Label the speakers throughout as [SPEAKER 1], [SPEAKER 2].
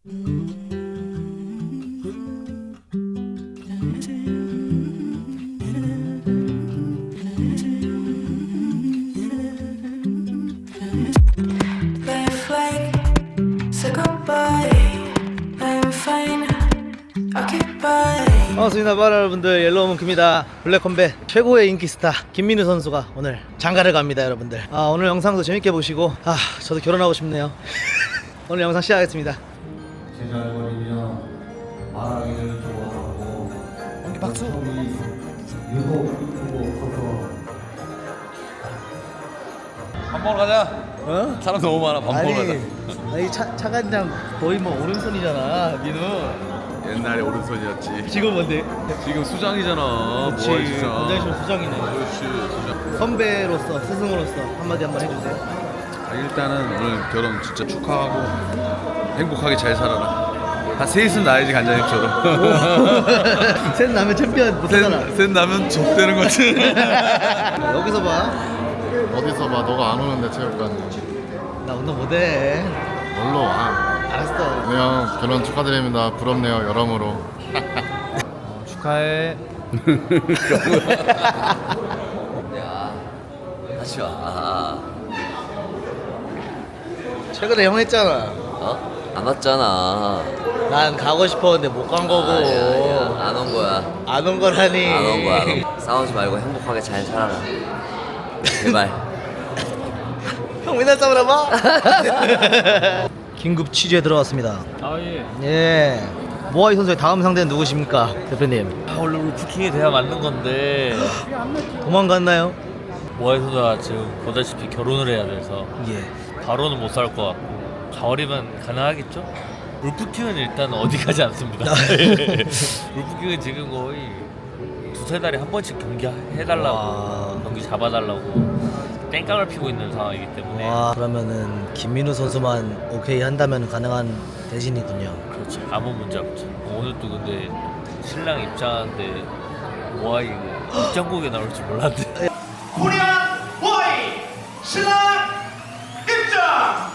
[SPEAKER 1] 반갑습니다 여러분들. 옐로우문크입니다. 블랙컴뱃 최고의 인기 스타 김민우 선수가 오늘 장가를 갑니다 여러분들. 오늘 영상도 재밌게 보시고 저도 결혼하고 싶네요. 오늘 영상 시작하겠습니다.
[SPEAKER 2] 제잘거리며 말하기를 좋아하고
[SPEAKER 1] 연기 박수.
[SPEAKER 2] 유독 이쁘고 커서
[SPEAKER 3] 밥 먹으러 가자.
[SPEAKER 1] 어?
[SPEAKER 3] 사람 너무 많아. 밥 먹으러 가자.
[SPEAKER 1] 아니 차관장 거의 뭐 오른손이잖아 민우.
[SPEAKER 3] 옛날에 오른손이었지.
[SPEAKER 1] 지금 뭔데?
[SPEAKER 3] 지금 수장이잖아.
[SPEAKER 1] 그렇지.
[SPEAKER 3] 뭐야, 수장.
[SPEAKER 1] 권장실 수장이네.
[SPEAKER 3] 그렇지, 수장.
[SPEAKER 1] 선배로서 스승으로서 한마디 한번 해주세요.
[SPEAKER 3] 일단은 오늘 결혼 진짜 축하하고 행복하게 잘 살아라. 한 셋은 나야지 간장님처럼.
[SPEAKER 1] 셋 나면 챔피언 못하잖아.
[SPEAKER 3] 셋 나면 족되는 거지.
[SPEAKER 1] 여기서 봐.
[SPEAKER 4] 어디서 봐? 너가 안 오는데 체육관.
[SPEAKER 1] 나 운동 못해.
[SPEAKER 4] 놀러 와.
[SPEAKER 1] 알았어.
[SPEAKER 4] 안녕. 결혼 축하드립니다. 부럽네요. 여러모로.
[SPEAKER 1] 축하해.
[SPEAKER 5] 야, 다시 와.
[SPEAKER 1] 최근에 형 했잖아.
[SPEAKER 5] 어? 안 왔잖아.
[SPEAKER 1] 난 가고 싶었는데 못 간 거고.
[SPEAKER 5] 아니야. 안 온 거야.
[SPEAKER 1] 안 온 거라니.
[SPEAKER 5] 안 온 거야. 안 온 거야. 싸우지 말고 행복하게 잘 살아라. 제발.
[SPEAKER 1] 형 맨날 싸우나 봐. 긴급 취재 들어왔습니다. 예. 모하이 선수의 다음 상대는 누구십니까, 대표님?
[SPEAKER 6] 원래 울프킹이 돼야 맞는 건데
[SPEAKER 1] 도망갔나요?
[SPEAKER 6] 모하이 선수가 지금 보다시피 결혼을 해야 돼서
[SPEAKER 1] 예.
[SPEAKER 6] 바로는 못 살 것 같고 가을이면 가능하겠죠? 울프킹은 일단 어디 가지 않습니다. 울프킹은 지금 거의 두세 달에 한 번씩 경기 해달라고
[SPEAKER 1] 와.
[SPEAKER 6] 경기 잡아달라고 땡깡을 피고 있는 상황이기 때문에
[SPEAKER 1] 와, 그러면은 김민우 선수만 오케이 한다면 가능한 대진이군요.
[SPEAKER 6] 그렇죠. 아무 문제 없죠. 오늘도 근데 신랑 입장하는데 모하이 입장곡에 나올 줄 몰랐는데
[SPEAKER 7] 코리안 보이 신랑 입장.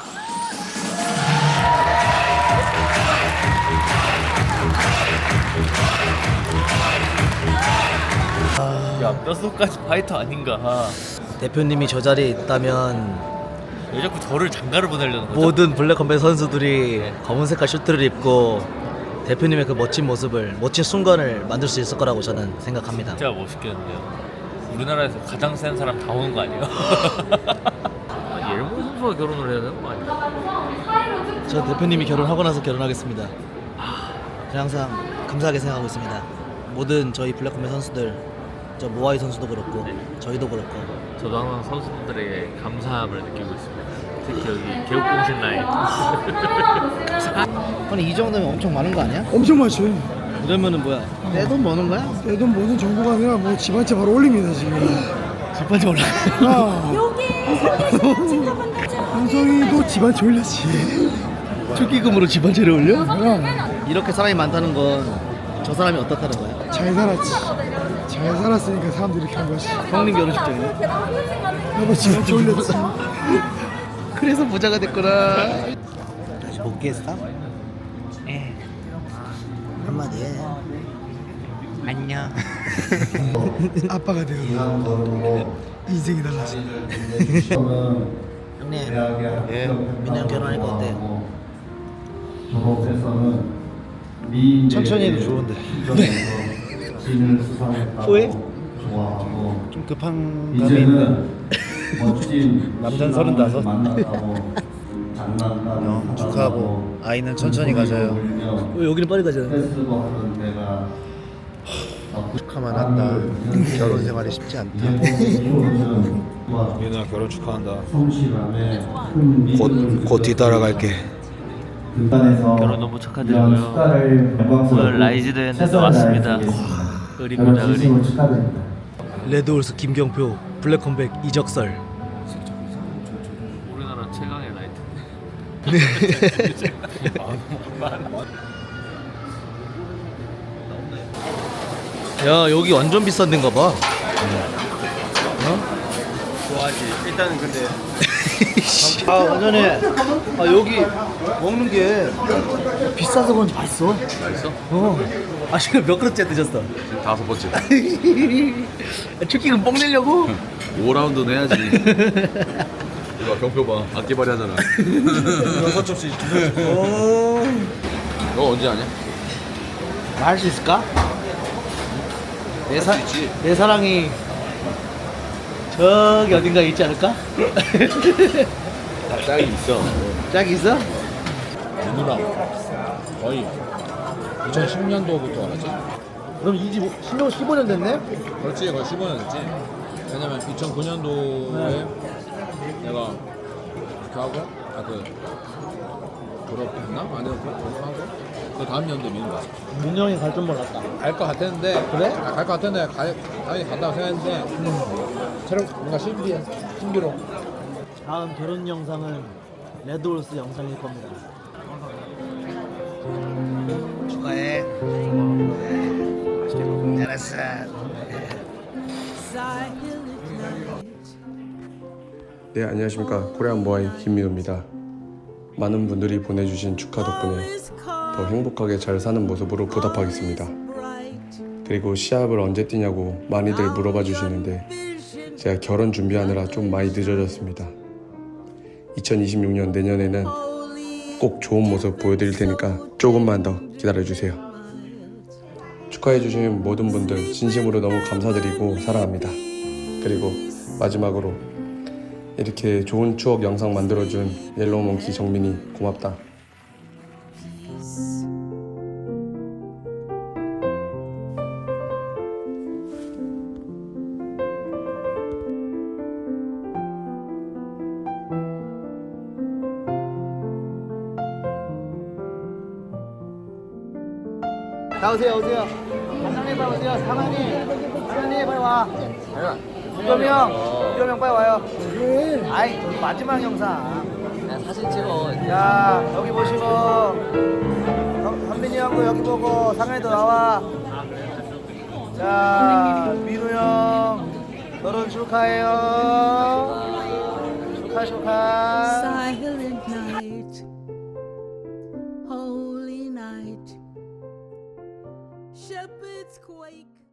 [SPEAKER 6] 야 뼛속까지 파이터 아닌가.
[SPEAKER 1] 대표님이 저 자리에 있다면
[SPEAKER 6] 왜 자꾸 저를 장가를 보내려는 거죠?
[SPEAKER 1] 모든 블랙컴뱃 선수들이 검은 색깔 슈트를 입고 대표님의 그 멋진 모습을, 멋진 순간을 만들 수 있을 거라고 저는 생각합니다.
[SPEAKER 6] 진짜 멋있겠는데요. 우리나라에서 가장 센 사람 다 오는 거 아니에요? 옐모 선수가 결혼을 해야 되는 거 아니에요?
[SPEAKER 1] 저 대표님이 결혼하고 나서 결혼하겠습니다. 그냥 항상 감사하게 생각하고 있습니다. 모든 저희 블랙컴뱃 선수들, 저 모하이 선수도 그렇고 저희도 그렇고.
[SPEAKER 6] 저도 항상 선수분들에게 감사함을 느끼고 있습니다. 특히 여기 개국공신 라인.
[SPEAKER 1] 아니 이 정도면 엄청 많은 거 아니야?
[SPEAKER 8] 엄청 많죠.
[SPEAKER 1] 이러면은 뭐야? 내 돈 버는 거야?
[SPEAKER 8] 내 돈 모든 정보가 아니라 뭐 집 한 채 바로 올립니다 지금.
[SPEAKER 1] 집 번째 올라.
[SPEAKER 8] 방송이도 집 한 채 올렸지.
[SPEAKER 1] 축기금으로 집 한 채를 올려?
[SPEAKER 8] 그럼
[SPEAKER 1] 이렇게 사람이 많다는 건 저 사람이 어떻다는 거야?
[SPEAKER 8] 잘 살았지. 잘 살았으니까 사람들이 이렇게 한 거지.
[SPEAKER 1] 형님 결혼식장이요?
[SPEAKER 8] 나도 집 한 채 올렸지.
[SPEAKER 1] 그래서 부자가 됐구나. 다시 복귀했어? 한마디 해. 안녕.
[SPEAKER 8] 아빠가 되어 인생이 달라진.
[SPEAKER 1] 형님, 민우 형 결혼하니까 어때?
[SPEAKER 2] 졸업해서는
[SPEAKER 1] 천천히 해도 좋은데.
[SPEAKER 2] 후회?
[SPEAKER 1] 후회?
[SPEAKER 2] 좋아하고
[SPEAKER 1] 좀 급한
[SPEAKER 2] 이제는 멋진
[SPEAKER 1] 남자는 35.
[SPEAKER 2] 만났다고 장난감
[SPEAKER 1] 축하하고 아이는 천천히 가져요. 왜 여기는 빨리 가잖아.
[SPEAKER 2] 페스티벌 하는 데가
[SPEAKER 4] 축하만 한다. 결혼 생활이 쉽지 않다.
[SPEAKER 2] 민우야
[SPEAKER 4] 결혼 축하한다.
[SPEAKER 2] 성실함에
[SPEAKER 4] 곧 뒤따라갈게.
[SPEAKER 6] 결혼 너무 축하드리고요. 오늘 라이즈 대회인데 왔습니다. 의리입니다, 의리.
[SPEAKER 2] 축하드립니다.
[SPEAKER 1] 레드홀스 김경표, 블랙컴백 이적설.
[SPEAKER 6] 우리나라 최강의 라이트.
[SPEAKER 1] 야 여기 완전 비싼 데인가 봐.
[SPEAKER 3] 좋아하지. 일단은 근데
[SPEAKER 1] 전에 여기 먹는 게 비싸서 그런지 맛있어.
[SPEAKER 3] 맛있어?
[SPEAKER 1] 지금 몇 그릇째 드셨어?
[SPEAKER 3] 지금 5번째.
[SPEAKER 1] 축기금 뽕 내려고?
[SPEAKER 3] 5라운드는 해야지. 이거 경표 봐. 악기발이 하잖아. 6접시. 너 언제 하냐?
[SPEAKER 1] 할 수 있을까?
[SPEAKER 3] 할 수 있지.
[SPEAKER 1] 내 사랑이 저기 어딘가에 있지 않을까?
[SPEAKER 3] 짝이 있어.
[SPEAKER 1] 짝이 있어?
[SPEAKER 9] 누나랑 거의 2010년도부터 알았지?
[SPEAKER 1] 그럼 이 집 15년 됐네?
[SPEAKER 9] 그렇지, 거의 15년 됐지. 왜냐면 2009년도에 내가 이렇게 하고, 졸업했나? 아니요, 졸업하고 그 다음 년도에 미는 거지.
[SPEAKER 1] 민영이 갈 줄 몰랐다.
[SPEAKER 9] 갈 것 같았는데,
[SPEAKER 1] 그래?
[SPEAKER 9] 갈 것 같았는데 당연히 간다고 생각했는데 새로 뭔가 신비로.
[SPEAKER 1] 다음 결혼 영상은 레드홀스 영상일 겁니다. 축하해. 맛있게 먹고 잘했어.
[SPEAKER 10] 네, 안녕하십니까. 코리안 모아이 김민호입니다. 많은 분들이 보내주신 축하 덕분에 더 행복하게 잘 사는 모습으로 보답하겠습니다. 그리고 시합을 언제 뛰냐고 많이들 물어봐 주시는데 제가 결혼 준비하느라 좀 많이 늦어졌습니다. 2026년 내년에는 꼭 좋은 모습 보여드릴 테니까 조금만 더 기다려주세요. 축하해주신 모든 분들 진심으로 너무 감사드리고 사랑합니다. 그리고 마지막으로 이렇게 좋은 추억 영상 만들어준 옐로우몽키 정민이 고맙다.
[SPEAKER 1] 나오세요, 오세요. 사장님 빨리 오세요. 사장님 빨리 와. 유겸이 형 빨리 와요. 아이 마지막 영상.
[SPEAKER 5] 그냥 사진 찍어.
[SPEAKER 1] 자 여기 보시고 현민이 형도 여기 보고 상현이도 나와. 자 민우 형 결혼 축하해요. 축하.
[SPEAKER 11] Silent night, holy night, shepherds quake.